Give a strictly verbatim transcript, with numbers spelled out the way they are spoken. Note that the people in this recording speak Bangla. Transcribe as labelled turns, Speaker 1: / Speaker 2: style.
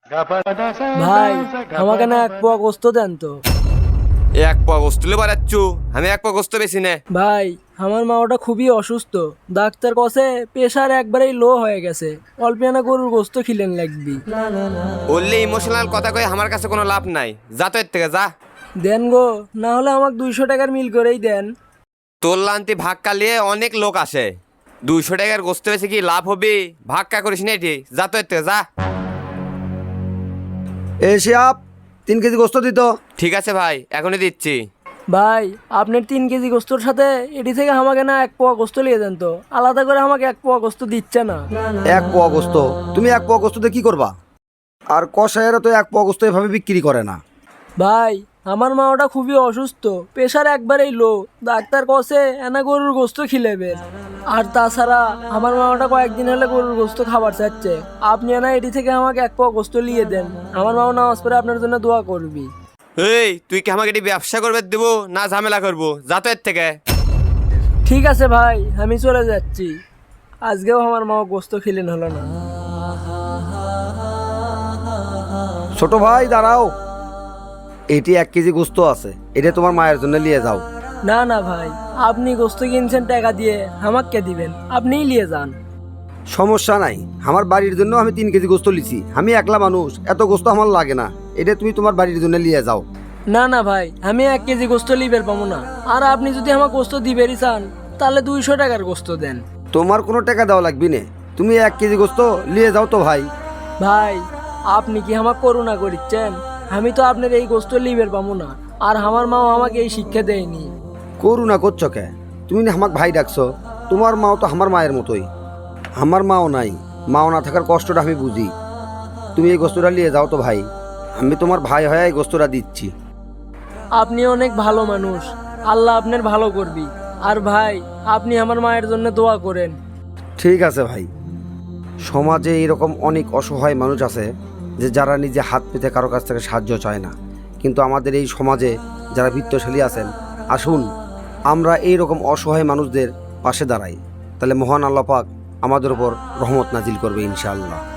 Speaker 1: ভাই আমাকে না এক পোয়া গোস্ত দেন তো।
Speaker 2: এক পোয়া গোস্ত লে বাড়াচ্ছু, আমি এক পোয়া গোস্ত বেশি নে।
Speaker 1: ভাই আমার মা ওটা খুবই অসুস্থ, ডাক্তার কসে প্রেশার একবারেই লো হয়ে গেছে, অল্পিয়ানা গরুর গোস্ত খিলেন লাগবি।
Speaker 2: বললে ইমোশনাল কথা কয়ে আমার কাছে কোনো লাভ নাই, যা তো এর থেকে যা।
Speaker 1: দেন গো, না হলে আমাকে দুইশো টাকার মিল করেই দেন।
Speaker 2: তোর লান্তি ভাক্কা লিয়ে অনেক লোক আসে, দুইশো টাকার গোস্ত বেশি কি লাভ হবে? ভাক্কা করিস না এটি, যা তো এর থেকে যা।
Speaker 3: এ শিয়াব, তিন কেজি গোস্ত দিত।
Speaker 2: ঠিক আছে ভাই, এখনই দিচ্ছি।
Speaker 1: ভাই আপনার তিন কেজি গোস্তর সাথে এটি থেকে আমাকে না এক পোয়া গোস্ত লিয়ে দেন তো, আলাদা করে আমাকে এক পোয়া গোস্ত দিচ্ছে না।
Speaker 3: এক পোয়া গোস্ত? তুমি এক পোয়া গোস্ত দিয়ে কি করবা? আর কষায়েরা তো এক পোয়া গোস্ত এভাবে বিক্রি করে না।
Speaker 1: ভাই আমার মা ওটা খুবই অসুস্থ, প্রেশার একবারেই লো, ডাক্তার কসে এনা গরুর গোস্ত খিলেবে। আর তাছাড়া আমার মা ওটা কয়েকদিন হলে গরুর গোস্ত খাবার চাচ্ছে, আপনি না এটি থেকে আমাকে এক পোয়া গোস্ত লিয়ে দেন, আমার মাও নামাজ পড়ে আপনার জন্য দোয়া করবি।
Speaker 2: এই তুই কি আমাকে এটি ব্যবসা করবে দেবো না ঝামেলা করবো? যা তো এর থেকে।
Speaker 1: ঠিক আছে ভাই, আমি চলে যাচ্ছি, আজকেও আমার মা গোস্ত খিলেন হলো না।
Speaker 3: ছোট ভাই দাঁড়াও, এটি এক কেজি গোস্ত আছে, এটা তোমার মায়ের জন্য নিয়ে যাও।
Speaker 1: না না ভাই, আপনি গোস্ত কিনছেন টাকা দিয়ে, আমাকে দিবেন, আপনিই নিয়ে যান।
Speaker 3: সমস্যা নাই, আমার বাড়ির জন্য আমি তিন কেজি গোস্ত লিছি, আমি একলা মানুষ, এত গোস্ত আমার লাগে না, এটা তুমি তোমার বাড়ির জন্য নিয়ে যাও।
Speaker 1: না না ভাই, আমি এক কেজি গোস্ত লিবের পাবো না, আর আপনি যদি আমার গোস্ত দিবেরই চান তাহলে দুইশো টাকার গোস্ত দেন।
Speaker 3: তোমার কোনো টাকা দেওয়া লাগবে না, তুমি এক কেজি গোস্ত নিয়ে যাও তো ভাই।
Speaker 1: ভাই আপনি কি আমার করুণা করিচ্ছেন? আমি তো আপনার এই গোস্ত লিবের পাবো না, আর আমার মাও আমাকে এই শিক্ষা দেয়নি।
Speaker 3: করুণা করছো কে? তুমি না আমাকে ভাই ডাকছো, তোমার মাও তো আমার মায়ের মতোই। আমার মাও নাই, মাও না থাকার কষ্টটা আমি বুঝি। তুমি এই গোস্তটা নিয়ে যাও তো ভাই, আমি তোমার ভাই হয়ে এই গোস্তটা দিচ্ছি।
Speaker 1: আপনি অনেক ভালো মানুষ, আল্লাহ আপনার ভালো করবি। আর ভাই আপনি আমার মায়ের জন্য দোয়া করেন।
Speaker 3: ঠিক আছে ভাই। সমাজে এরকম অনেক অসহায় মানুষ আছে যে যারা নিজে হাত পেতে কারো কাছ থেকে সাহায্য চায় না, কিন্তু আমাদের এই সমাজে যারা বিত্তশালী আছেন, আসুন আমরা এই রকম অসহায় মানুষদের পাশে দাঁড়াই, তাহলে মহান আল্লাহ পাক আমাদের উপর রহমত নাজিল করবে ইনশাআল্লাহ।